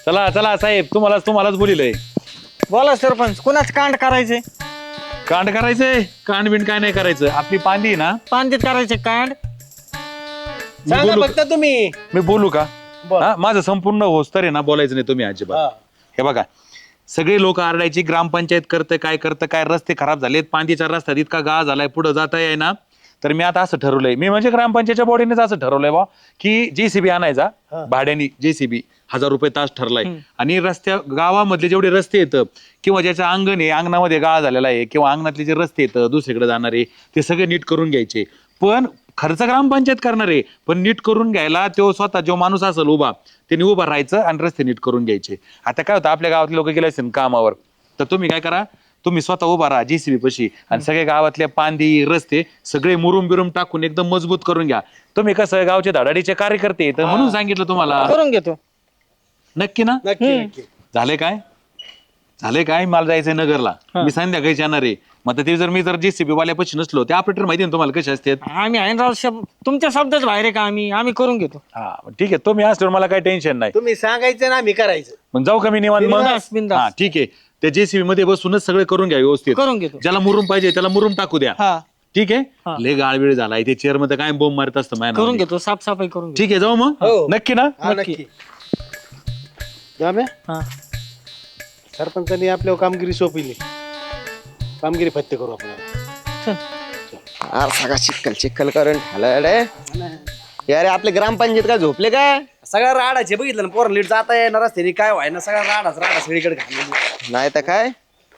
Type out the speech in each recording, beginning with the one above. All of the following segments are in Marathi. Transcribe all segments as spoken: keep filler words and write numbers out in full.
चला चला साहेब, तुम्हाला तुम्हालाच बोलिलंय. बोला सरपंच, कुणाच कांड करायचे? कांड करायचंय? कांड बिंड काय नाही करायचं. आपली पांदी आहे ना, पांदीत करायचे कांड? मी सांगा बोलू फक्त तुम्ही. मी बोलू का? बोल. हा, माझं संपूर्ण होस्तर आहे ना, बोलायचं नाही तुम्ही अजिबात. हे बघा, सगळे लोक आरडायची ग्रामपंचायत करतं काय करतं काय, रस्ते खराब झालेत, पांदीच्या रस्त्यात इतका गाळ झालाय, पुढे जाता येई ना. तर मी आता असं ठरवलंय, मी म्हणजे ग्रामपंचायतच्या बॉडीनेच असं ठरवलंय बा की जेसीबी आणायचा भाड्याने. जेसीबी हजार रुपये तास ठरलाय. आणि रस्त्या गावामधले जेवढे रस्ते येतं किंवा ज्याचं अंगण आहे, अंगणामध्ये गाळ झालेला आहे, किंवा अंगणातले जे रस्ते येतं दुसरीकडे जाणारे, ते सगळे नीट करून घ्यायचे. पण खर्च ग्रामपंचायत करणार आहे, पण नीट करून घ्यायला तो स्वतः जो माणूस असेल उभा, त्यांनी उभा राहायचं आणि रस्ते नीट करून घ्यायचे. आता काय होतं, आपल्या गावातले लोक गेले असतील कामावर, तर तुम्ही काय करा, तुम्ही स्वतः उभा राहा जेसीबी पशी आणि सगळे गावातल्या पांदी रस्ते सगळे मुरुम बिरुम टाकून एकदम मजबूत करून घ्या. तुम्ही कसं गावचे धडाडीचे कार्यकर्ते, तर म्हणून सांगितलं तुम्हाला. करून घेतो. नक्की ना? नक्की नक्की. झाले काय झाले काय मला जायचंय नगरला, मी संध्याकाळी येणार आहे. मग आता ते जर मी जर जेसीबी वाल्यापाशी नसलो, ते ऑपरेटर माहिती ना तुम्हाला कसे असतात. आम्ही आहे ना राव, शब- तुमच्या शब्दाच बाहेर आहे का? आम्ही आम्ही करून घेतो. हा ठीक आहे, तुम्ही असल्यावर मला काही टेन्शन नाही. तुम्ही सांगायचं ना आम्ही करायचं. मग जाऊ का मी निवांत मग? बिनधास्त, बिनधास्त. हा ठीक आहे, त्या जेसीबी मध्ये बसूनच सगळे करून घ्या व्यवस्थित. करून घेतो. ज्याला मुरुम पाहिजे त्याला मुरुम टाकू द्या. हा, ठीक आहे. हा. लय गाळवेळ झालाय, ते चेअर मध्ये काय बोंब मारत असतं माझ्या करून नावाने. घेतो, साफसफाई करून घेतो. ठीक आहे, जाऊ मग. हो. नक्की ना? हा नक्की. नक्की. जाम्या, हा, सरपंचांनी आपल्यावर कामगिरी सोपविली. कामगिरी फत्ते करू आपण. चल. अरे सगळा चिक्कल चिक्कल करून ठालाय अरे आपले ग्रामपंचायत काय झोपले काय? सगळ्या राडाचे बघितलं ना, पोरं लीट जाता येणार रस्त्याने काय व्हाय ना, सगळ्या राडाच राडा सगळीकडे घाललेली नाही तर काय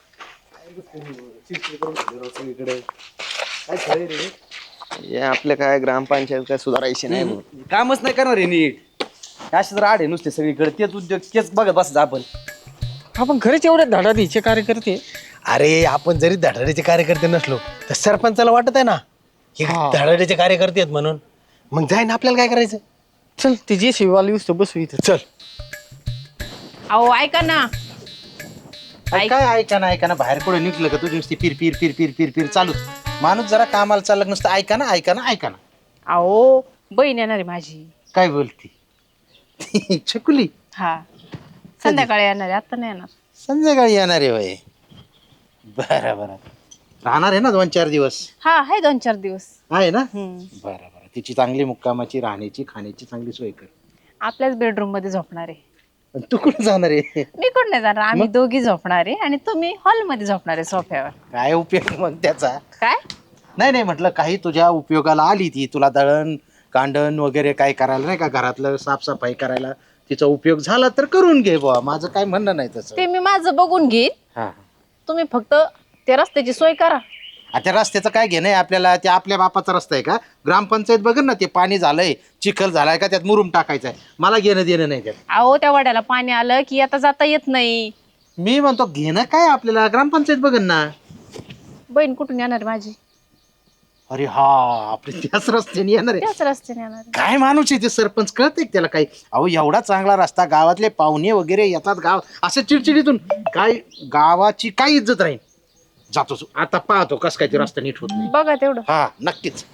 सगळीकडे. काय खरंय रे, हे आपले काय ग्रामपंचायत काय सुधारायची नाही म्हणून. कामच नाही करणार आहे नीट. असेच राड आहे नुसते सगळीकडे, तेच उद्योग तेच बघत बसत आपण. आपण खरेच एवढे धडाडीचे कार्यकर्ते? अरे आपण जरी धडाडीचे कार्यकर्ते नसलो तर सरपंचाला वाटत आहे ना हे धडाडीचे कार्यकर्ते आहेत म्हणून. मग जाईन आपल्याला काय करायचं. चल, ते जे शिवाली उसतो बसू इथं. चल. अहो ऐका ना. ऐक- काय ऐका ना ऐका ना बाहेर कुठे निघलं का तुझी नुसती फिर फिर फिर फिर फिर फिर चालूच. माणूस जरा कामाला चाललं नुसतं ऐका ना ऐका ना ऐका ना. अहो बहीण येणार आहे माझी. काय बोलती छकुली? हा, संध्याकाळी येणार आहे, आता नाही येणार. संध्याकाळी येणार आहे वय. बरं बरं, राहणार आहे ना दोन चार दिवस? हा आहे, दोन चार दिवस. आहे ना. हम्म. बरं बरं, तिची चांगली मुक्कामाची राहण्याची खाण्याची चांगली सोय कर. आपल्याच बेडरूम मध्ये झोपणार आहे. पण तू कुठे जाणार आहे? मी कोण नाही जाणार, आम्ही दोघी झोपणार आहे आणि तुम्ही हॉल मध्ये झोपणार आहे सोफ्यावर. काय उपयोग मग त्याचा? काय? नाही नाही म्हटलं काही तुझ्या उपयोगाला आली ती, तुला दळण कांडण वगैरे काय करायला नाही का, घरातलं साफसफाई करायला तिचा उपयोग झाला तर करून घे बुवा. माझं काय म्हणणं नाही तसं. ते मी माझं बघून घेईन, हा, तुम्ही फक्त ते रस्त्याची सोय करा. आता रस्त्याचं काय घेणं आहे आपल्याला? ते आपल्या बापाचा रस्ता आहे का? ग्रामपंचायत बघ ना, ते पाणी झालंय, चिखल झालाय का, त्यात मुरुम टाकायचा आहे. मला घेणं देणं नाही त्यात. अहो त्या वड्याला पाणी आलं की आता जाता येत नाही. मी म्हणतो घेणं काय आपल्याला, ग्रामपंचायत बघन ना. बहीण कुठून येणार आहे माझी? अरे हा, आपले त्याच रस्त्याने येणार आहे. त्याच रस्त्याने येणार आहे. काय माणूस आहे ते सरपंच, कळतंय त्याला काही? अहो एवढा चांगला रस्ता, गावातले पाहुणे वगैरे येतात, गाव असं चिडचिडीतून काय गावाची काय इज्जत राहील. जातो आता, पाहतो कस काय ते रस्ता नीट होत नाही. बघा तेवढं. हा नक्कीच.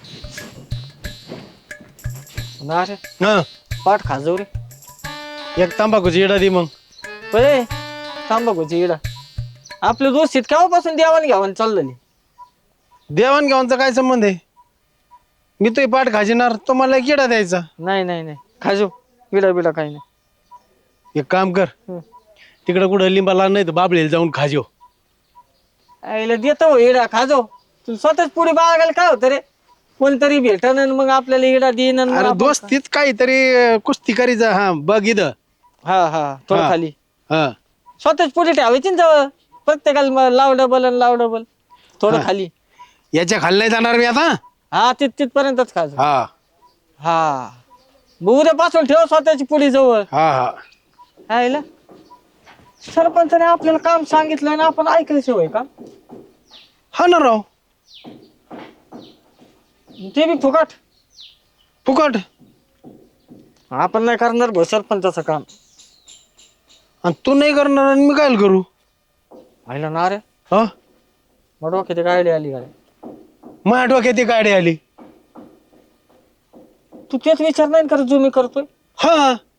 अरे हा, पाठ खाजव रे. एक तांबाखूची येडा दे मग. पळे तांबाखूची इडा. आपले दोस्तीत केव्हापासून देवाण घ्यावं चाललं नाही. देवाण घेवानचा काय संबंध आहे? मी तो पाठ खाजिणार, तो मला एक येडा द्यायचा. नाही नाही नाही, खाजो. इडा बिडा काही नाही. एक काम कर, हं. तिकडं कुठं लिंबाला नाही तर बाबळेला जाऊन खाजो. आईला देतो इडा, खाजो. तू स्वतःच पुढे बाळगायला काय होतं रे? कोणतरी भेटन आणि मग आपल्याला इडा देईन आणि मग अरे आपण- दोस्तीच काहीतरी अं, कुस्ती करी जा. हा बघ इथं. हा हा, थोडं हा. खाली हा स्वतःच पुढे ठेवायची ना जवळ. प्रत्येकाला मग लाव डबल आणि लाव डबल. थोडं हा. खाली. याच्या खाली नाही जाणार मी आता. हा, तिथ तिथपर्यंतच खाजो. हा हा, मग उद्यापासून ठेव स्वतःची पुढे जवळ. हा हा. आईला सरपंचाने आपल्याला काम सांगितलं ना, आपण ऐकायचं होय का? हा ना राव, ते बी फुकट. फुकट. आपण नाही करणार भाऊ सरपंचाचं काम. आणि तू नाही करणार आणि मी काय करू? आईला ना रे, हा, मग डोक्यात गाडी आली गाडी. माझ्या डोक्यात ती गाडी आली. तू तेच विचार नाही करत जो मी करतोय. हा,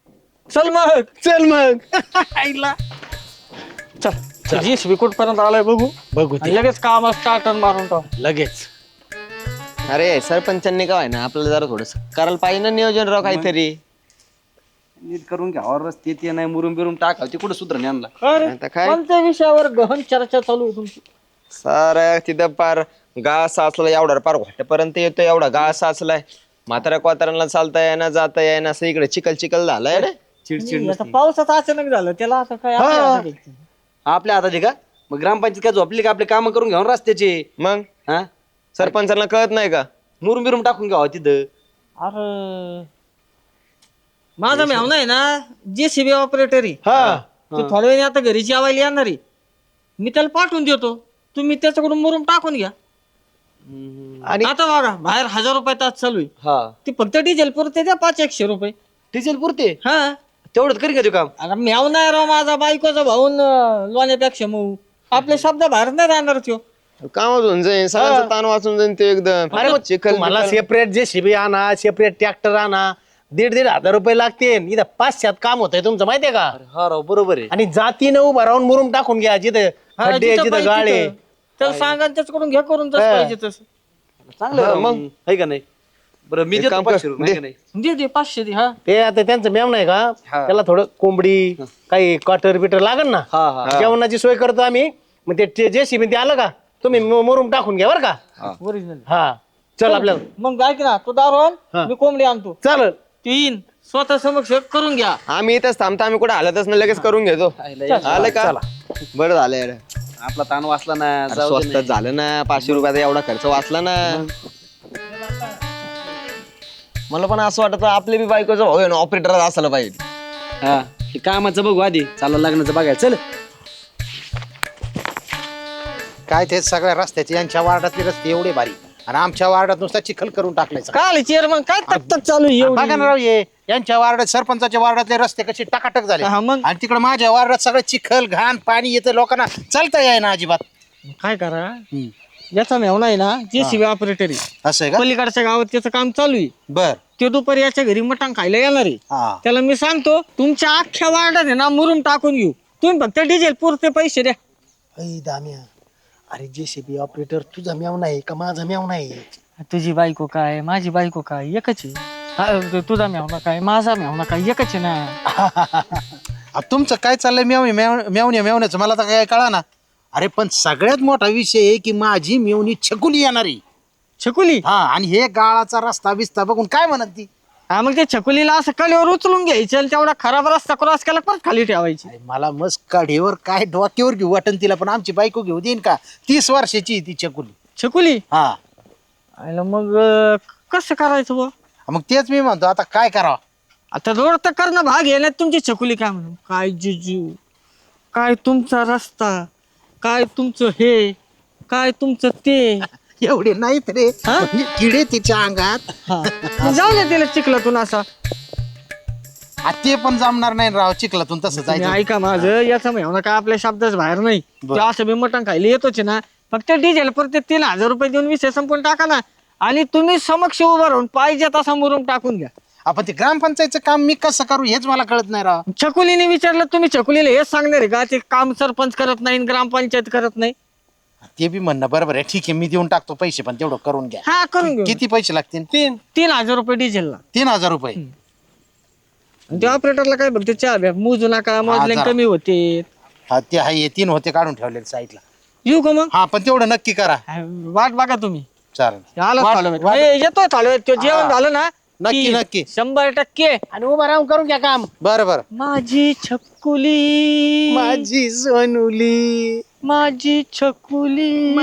चल मग चल मग आईला चल जीसीबी कुठपर्यंत आलाय बघू बघू आणि ते लगेच काम स्टार्टर मारून टाक लगेच. अरे सरपंचांनी काय ना आपल्याला जरा थोडस करायला पाहिजे ना नियोजन राव काहीतरी. नीट करून घ्यावर रस्ते ते नाही मुरुम बिरुम टाकाव ते कुठं सुधरण यांना. अरे आता काय? कोणत्या विषयावर गहन चर्चा चालू आहे तुमची? सारा तिथं पार घास साचला एवढा पार घोट्यापर्यंत येतो एवढा घास साचलाय. म्हाताऱ्या कोताऱ्यांना चालता येईना जाता येईना असं इकडे चिकल चिकल झालाय रे. चिडचिड आता पावसाचं अचानक झालं त्याला आता काय आपल्या हातात आहे. आपल्या हातात आहे का? मग ग्रामपंचायत काय झोपली का आपले काम करून घ्यावं रस्त्याचे. मग हा सरपंचांना कळत नाही का? मुरुम बिरुम टाकून घ्यावं तिथं. अरे माझा मेहना आहे ना जेसीबी ऑपरेटर आहे हा तो थोड्या वेळाने आता घरी जेवायला येणार आहे. मी त्याला पाठवून देतो तुम्ही त्याच्याकडून मुरुम टाकून घ्या. आणि आता बघा बाहेर हजार रुपये तास चालू आहे हा ती फक्त डिझेल पुरते द्या पाच एकशे रुपये. डिझेल पुरते हा तेवढंच करी का ते काम. अरे मेवना आहे राव माझा बायकोचा भाऊन लोण्यापेक्षा मऊ आपले शब्द बाहेर नाही राहणार त्यो. कामच होऊन जाईन सगळ्यांचा ताण वाचून जाईन ते एकदम. अरे मग चिखल मला बिखल. सेपरेट जे शिबी आणा सेपरेट ट्रॅक्टर आणा दीड दीड हजार रुपये लागते इथं पाचशेत काम होतंय तुमचं माहितीये का? हा राव बरोबर आहे. आणि जातीनं उभा राहून मुरुम टाकून घ्या जिथे हा, खड्डे जिथं जिथं पाहिजे गाळे. तिथं. त्याला सांगा आणि त्याच्याकडून घ्या करून तसं हा. पाहिजे तसं. चांगलं हा, आहे राव मग. मग आहे का नाही. बरं मी एक देतो काम कर. पाचशे रुपये, आहे का नाही. दे दे पाचशे दे. हा ते आता त्यांचं मेम नाही का हा. त्याला थोडं कोंबडी काही क्वार्टर बिटर लागल ना हा हा जेवणाची सोय करतो आम्ही. मग ते जे शिबी ते आलं का तुम्ही मु- मुरुम टाकून घ्या बरं का. ओरिजिनल. हा चल आपल्याला मग ऐक ना तू दारू आण हा. मी कोंबडी आणतो चालेल. तीन स्वतः समक्ष करून घ्या. आम्ही इथंच थांबता आम्ही कुठे हालतच नाही लगेच करून घेतो. आलं का? बरं झालं यार. आपला ताण वाचला ना. अरे जाऊ दे स्वस्तात झालं ना पाचशे रुपयाचा एवढा खर्च वाचला ना. मला पण असं वाटत आपले बी बायकोचं भाऊ आहे ना ऑपरेटर असायला पाहिजे. नाही. हा हे कामाचं बघू आधी चाललं लग्नाचं बघायचं चल. काय ते सगळ्या रस्त्याचे यांच्या वार्डातले रस्ते एवढे भारी आणि आमच्या वार्डात नुसता चिखल करून टाकलायचा. काय चेअरमन काय तक तक चालू आहे एवढी? बघा ना राव ये यांच्या वार्डात सरपंचाच्या वार्डातले रस्ते कसे टाकाटक झाले हा, मग? आणि तिकडे माझ्या वार्डात सगळं चिखल घाण पाणी येतं लोकांना चालता येई ना अजिबात. काय करा याचा मेवना आहे ना जेसीबी ऑपरेटर आहे असं आहे का? पलीकडच्या गावात त्याचं काम चालू आहे. बर ते दुपारी याच्या घरी मटण खायला येणार आहे. हा त्याला मी सांगतो तुमच्या अख्ख्या वार्डात आहे ना मुरुम टाकून घेऊ तुम्ही फक्त डिझेल पुरते पैसे द्या. अय दाम्या अरे जे शिबी ऑपरेटर तुझा मेव नाही का माझा मेव नाही. तुझी बायको काय माझी बायको काय एकच आहे. हा, तुझा मेवना काय माझा मेवना काय एकच आहे ना. अब तुमचं काय चाललंय मेवणी मेव- मेवण्या मेवण्याचं मला तर काय कळा ना. अरे पण सगळ्यात मोठा विषय आहे की माझी मेवणी छकुली येणारी. छकुली हा आणि हे गाळाचा रस्ता बिस्ता बघून काय म्हणत ती. हा मग ते छकुलीला असं कलेवर उचलून घ्यायचं आणि तेवढा खराब रस्ता क्रॉस केला परत खाली ठेवायची. अरे मला मस्त काढीवर काय डोक्यावर घेऊ वाटन तिला पण आमची बायको घेऊ देईन का. तीस वर्षाची आहे ती छकुली. छकुली हा आयला मग अं, कसं करायचं बुवा? मग तेच मी म्हणतो आता काय करावं. आता रोड तर करणं भाग आहे ना तुमची छकुली काय म्हणून काय जिजू काय तुमचा रस्ता काय तुमचं हे काय तुमचं ते. एवढे नाहीत रे हा? म्हणजे किडे तिच्या अंगात. हा जाऊ दे तिला चिखलातून असा. आ, ते पण जमणार नाही राव चिखलातून तसं तुम्ही जायचं. ऐका माझं याचा मेहना काय आपल्या शब्दाच बाहेर नाही. ते असं मी मटण खायला येतोच ना फक्त डिझेल परत तीन हजार रुपये देऊन विषय संपून टाका ना आणि तुम्ही समक्ष उभं राहून पाहिजे तसा मुरुम टाकून घ्या. आपण ते ग्रामपंचायतचं काम मी कसं करू हेच मला कळत नाही राव. छकुलीने विचारलं तुम्ही छकुलीला हेच सांगणार आहे का ते काम सरपंच करत नाही आणि ग्रामपंचायत करत नाही. ते बी म्हणणं बरोबर आहे ठीक आहे मी देऊन टाकतो पैसे पण तेवढं करून घ्या. हा करून घेऊ किती पैसे लागतील. तीन तीन हजार रुपये डिझेलला. तीन हजार रुपये. आणि त्या ऑपरेटरला काय बघते चहा द्या मोजू नका मोजले जरा. कमी होते. हा ते आहे हे तीन होते काढून ठेवलेले साईडला. येऊ का मग हा पण तेवढं नक्की करा. वाट बघा तुम्ही. चालेल आला वाट- चालू आहे. वाट- ए, येतोय चालू आहे. तो जेवण झालं ना नक्की, की नक्की. शंभर टक्के आणि उभा राहून करून घ्या काम. बरं बरं. माझी छकुली माझी सोनुली माझी छकुली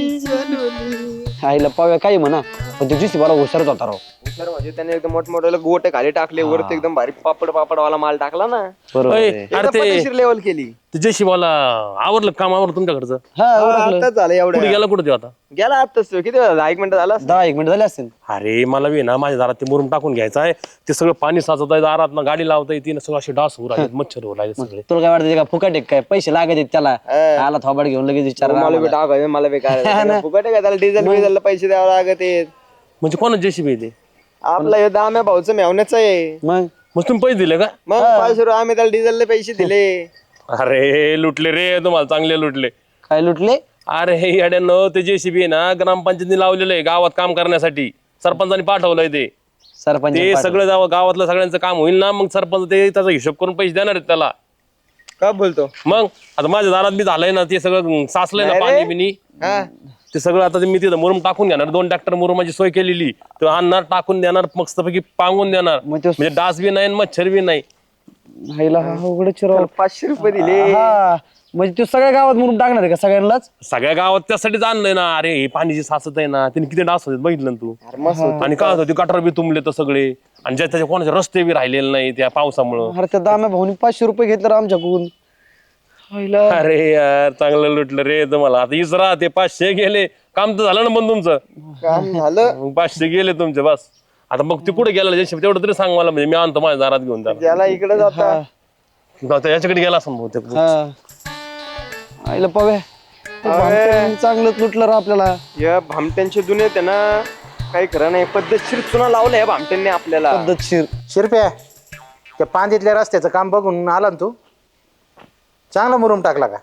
आईला पाव्या काही म्हणा पण तुझी बरा हुशारच होता राव. हुशार म्हणजे त्याने एकदम मोठमोठे गोटे खाली टाकले वरती एकदम भारी पापड पापडवाला माल टाकला ना. अरे लेवल केली. ते जयशिवाला आवरलं काम आवरलं तुमच्याकडचं आताच झालं कुठे एवढं गेला कुठे ते आता गेला आताच तो. किती वेळ झाला? एक मिनिट झाला दहा एक मिनिट झाले असतील. अरे मला बी ना माझ्या दारात ते मुरुम टाकून घ्यायचं आहे ते सगळं पाणी साचत आहे दारात ना गाडी लावता येते ना सगळं असे डास होऊ राहिले मच्छर होऊ राहिले सगळे तुला काय वाटतं का फुकट आहे काय पैसे लागत आहेत त्याला आला थोबाड घेऊन लगेच विचार मला बी टाक आहे, मला बी काय फुकट आहे का त्याला डिझेल बिझेलला पैसे द्यावे लागत आहेत. म्हणजे कोणाच जेसीबी ते आपला हे दाम्या भाऊचं मेवण्याचं आहे. मग मग तुम्ही पैसे दिले का? मग पाचशे रुपये आम्ही त्याला डिझेलचे पैसे दिले. अरे लुटले रे तुम्हाला, चांगले लुटले. काय लुटले? अरे हे येड्यानं ते जेसीबी ना ग्रामपंचायतीने लावलेलं आहे गावात काम करण्यासाठी. सरपंचाने पाठवलंय ते. सरपंच ते सगळं जावं गावातलं सगळ्यांचं काम होईल ना, मग सरपंच ते त्याचा हिशोब करून पैसे देणार आहेत त्याला. का बोलतो? मग आता माझ्या दारात बी झालंय ना ते सगळं, साचलंय ना नाही रे. पाणी बिनी. हा ते सगळं आता मी तिथं मुरुम टाकून घेणार, दोन ट्रॅक्टर मुरुमाची सोय केलेली. तो आणणार, टाकून देणार, मस्तपैकी पांगून देणार. मग तो- म्हणजे डास बी नाही आणि मच्छर बी नाही. हायला हा उघडच राव. पाचशे रुपये दिले. हा म्हणजे तू सगळ्या गावात म्हणून टाकणार आहे का सगळ्यांनाच? सगळ्या गावात त्यासाठीच आणलंय ना. अरे हे पाणीची साचत आहे ना, तिने किती डास होते बघितलं ना तू. आणि काय होतं, ते गटार बी तुंबले तर सगळे, आणि ज्या त्याच्या कोणाचे रस्ते बी राहिलेले नाही त्या पावसामुळं. अरे त्या दाम्या भाऊनी पाचशे रुपये घेतले आमच्याकडून. हायला. अरे यार चांगलं लुटलं रे तुम्हाला. आता इसरा ते पाचशे गेले, काम तर झालं ना पण तुमचं. काम झालं. मग पाचशे गेले तुमचे बस. आता मग ते कुठे गेला जेसीबी तेवढं तरी सांग मला, म्हणजे मी आणतो माझ्या दारात घेऊन त्याला. ज्याला इकडे जाता आता याच्याकडे गेला असं बहुतेक. हा. आईला पवे चांगलंच लुटलं रा आपल्याला. या भामट्यांचे दुनियेत आहे ना, काही खरं नाही. पद्धतशीर चुना लावलं या भामट्यांनी आपल्याला. पद्धतशीर. शिरप्या, त्या पांदीतल्या रस्त्याचं काम बघून आला ना तू? चांगला मुरुम टाकला का?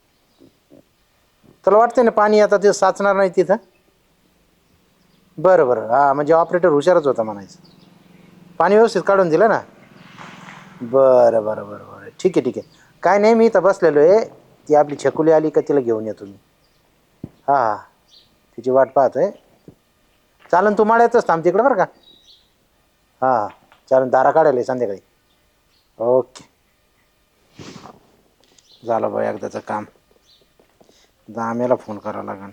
तुला वाटतंय ना पाणी आता ते साचणार नाही तिथं? बरं बरं, हा म्हणजे ऑपरेटर हुशारच होता म्हणायचं. पाणी व्यवस्थित काढून दिलं ना? बरं बरं बरं बरं, ठीक आहे ठीक आहे. काय नाही, मी इथं बसलेलो आहे. ती आपली छकुली आली का तिला घेऊन येतो मी. हां हां, तिची वाट पाहतोय. चालन, तू माळ्यातच थांब तिकडं बरं का? हां चालन, दारा काढायला आहे संध्याकाळी. ओके, झालं बा एकदाचं काम. दाम्याला फोन करावा लागेल.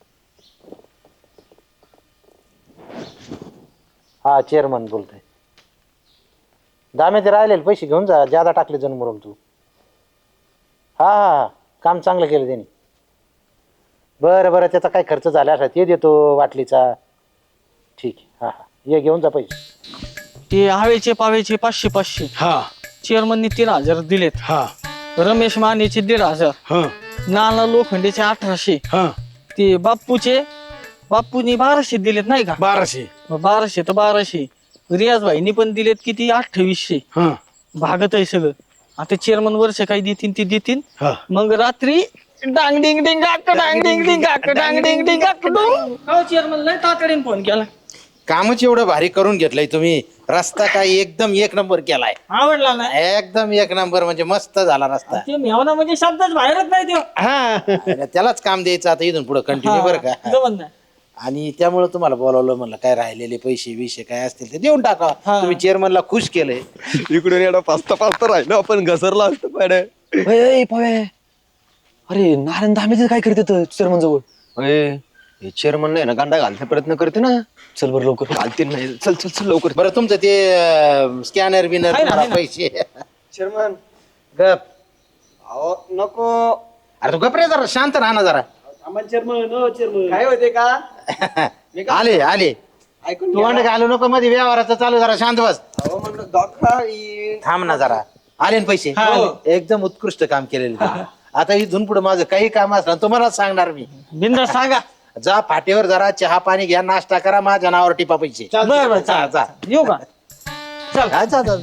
हा चेअरमन बोलतोय. दाम्या ते राहिलेले पैसे घेऊन जा, ज्यादा टाकले जण मुरुम तू. हा हा, काम चांगलं केलं त्यांनी. बरं बरं, त्याचा काय खर्च झाला असा ते देतो वाटलीचा. ठीक आहे, हा हा, ये घेऊन जा पैसे. ते हवेचे पावेचे पाचशे पाचशे. हा चेअरमननी तीन हजार दिलेत. हा रमेश मानेचे दीड हजार. हा नाना लोखंडेचे अठराशे. हा ते बाप्पूचे बाप्पूनी बाराशे दिलेत नाही का? बाराशे. मग बाराशे तर बाराशे. रियाज भाईनी पण दिलेत किती? अठ्ठावीसशे. हा भागत आहे सगळं. आता चेअरमन वर्ष काही देतील ते देतील. हा मग रात्री डांग डिंग डिंग गाक डांग डिंग डिंग गाक डांग डिंग डिंग गाक डुंग. हो चेअरमन लय तातडीने फोन केला. कामच एवढं भारी करून घेतलंय तुम्ही. रस्ता काय एकदम एक नंबर केलाय. आवडला ना? एकदम एक नंबर, म्हणजे मस्त झाला रस्ता. ते मेवना म्हणजे शब्दच बाहेरच नाही देऊ. हा, त्यालाच काम द्यायचं आता इथून पुढे कंटिन्यू, बरं का? जमत नाही. आणि त्यामुळे तुम्हाला बोलावलं, म्हणलं काय राहिलेले पैसे विषय काय असतील ते देऊन टाका. तुम्ही चेअरमनला खुश केलंय. इकडून एवढा पाचता पाचता राहिलो आपण, घसरला असतो पाड्या. ए, पवे. अरे नारायण दाम्याचं काय करते चेअरमन जवळ? हे चेअरमन नाही ना, गांडा घालण्याचा प्रयत्न करते ना. चल बरं लवकर. घालते नाही. चल चल चल लवकर. बरं, तुमचं ते स्कॅनर बिनर आहे ना, आहे ना. पैसे चेअरमन गप. अहो नको. अरे तू गप रे, जरा शांत राहा ना जरा. काय होते का? आले आले, ऐकून तू अंड घालू नको मध्ये, व्यवहाराचं चालू, जरा शांत बस. अहो म्हणलं दाखवा येईल. थांब ना जरा. आले ना पैसे? एकदम उत्कृष्ट काम केलेलं तुम्ही. आता इथून पुढे माझं काही काम असलं ना तुम्हाला सांगणार मी. बिंदा सांगा. जा फाटेवर जरा चहा पाणी घ्या, नाश्ता करा, माझ्या नावावर टिपा पैसे. बरं बरं जा जा. येऊ का? हा, जा जा.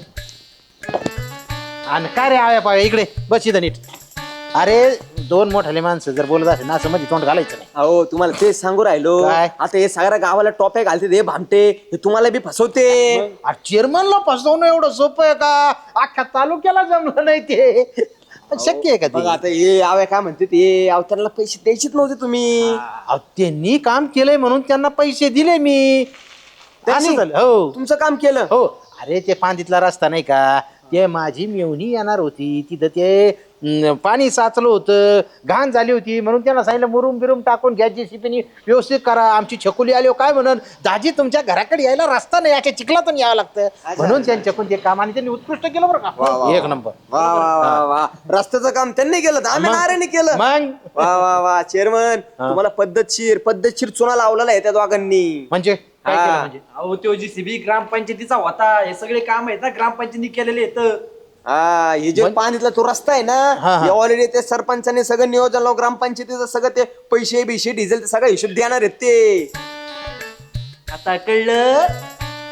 आणि काय रे आव्या पाव्या, इकडे बस इथं नीट. अरे दोन मोठाले माणसं जर बोलत असेल ना, असं मध्ये तोंड घालायचं नाही. अहो तुम्हाला तेच सांगू राहिलो. काय? आता हे सगळ्या गावाला टॉप्या घालते हे भामटे, हे तुम्हाला बी फसवते. चेअरमनला फसवणं एवढं सोपं आहे का? अख्ख्या तालुक्याला जमलं नाही ते. पण शक्य आहे का बघा ते? आता हे आव्या काय म्हणते ते, अवतारला पैसे द्यायचेच नव्हते तुम्ही. अहो, त्यांनी काम केलंय म्हणून त्यांना पैसे दिले मी. त्यांनी? असं झालं. हो तुमचं काम केलं. हो. अरे ते पांदीतला रस्ता नाही का, ते माझी मेवणी येणार होती तिथं, ते अं, पाणी साचलं होतं, घाण झाली होती, म्हणून त्यांना सांगितलं मुरुम बिरुम टाकून घ्या, जेसीबीनी व्यवस्थित करा. आमची छकुली आली काय म्हणून, दाजी तुमच्या घराकडे यायला रस्ता नाही, याच्या चिखलातून यावं लागतं, म्हणून त्यांच्याकडून ते काम, आणि त्यांनी उत्कृष्ट केलं बरं का, एक नंबर. वा वा वा वा, रस्त्याचं काम त्यांनी केलं, दाम्या नाऱ्याने केलं. मग वा वा वा चेअरमन, तुम्हाला पद्धतशीर पद्धतशीर चुना लावलेला आहे त्या दोघांनी. म्हणजे काय केलं म्हणजे? अहो तो जीसीबी ग्रामपंचायतीचा होता. हे सगळे काम आहेत ना ग्रामपंचायतीने केलेले आहेत. हा, हे जे पाणीतला तो रस्ता आहे हा, हा. ना, ऑलरेडी ते सरपंचाने सगळं नियोजन लावून, ग्रामपंचायतीचं सगळं ते पैसे बिशे डिझेल सगळं हिशोब देणार आहेत ते. आता कळलं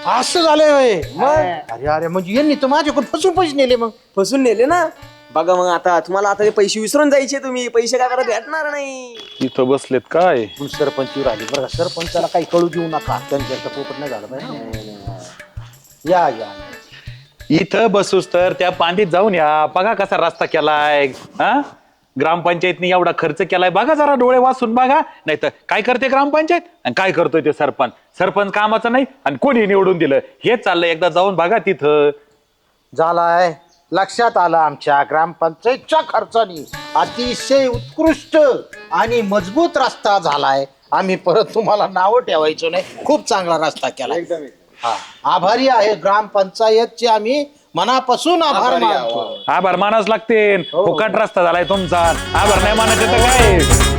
असं झालंय होय. अरे अरे म्हणजे यांनी तर माझ्याकडून फसून पैसे नेले मग. फसून नेले ना. बघा मग आता तुम्हाला आता ते पैसे विसरून जायचे, तुम्ही पैसे काय करत भेटणार नाही. इथं बसलेत काय पण सरपंच आले बरं का, सरपंचाला काही कळू देऊ नका, त्यांच्या पोपट नाही झालं पाहिजे. या या इथं बसूस तर त्या पांडीत जाऊन या, बघा कसा रस्ता केलाय. हा ग्रामपंचायतनी एवढा खर्च केलाय, बघा जरा डोळे वाचून बघा. नाही तर काय करते ग्रामपंचायत आणि काय करतोय ते सरपंच. सरपंच कामाचं नाही आणि कोणी निवडून दिलं हेच चाललंय. एकदा जाऊन बघा तिथं. झालाय लक्षात आलं, आमच्या ग्रामपंचायतच्या खर्चाने अतिशय उत्कृष्ट आणि मजबूत रस्ता झालाय. आम्ही परत तुम्हाला नावं ठेवायचो नाही, खूप चांगला रस्ता केला. हा आभारी आहे ग्रामपंचायतचे, आम्ही मनापासून आभार मानतो. आभार मानाच लागते. फुकट रस्ता झालाय तुमचा, आभार नाही मानायचं तर काय.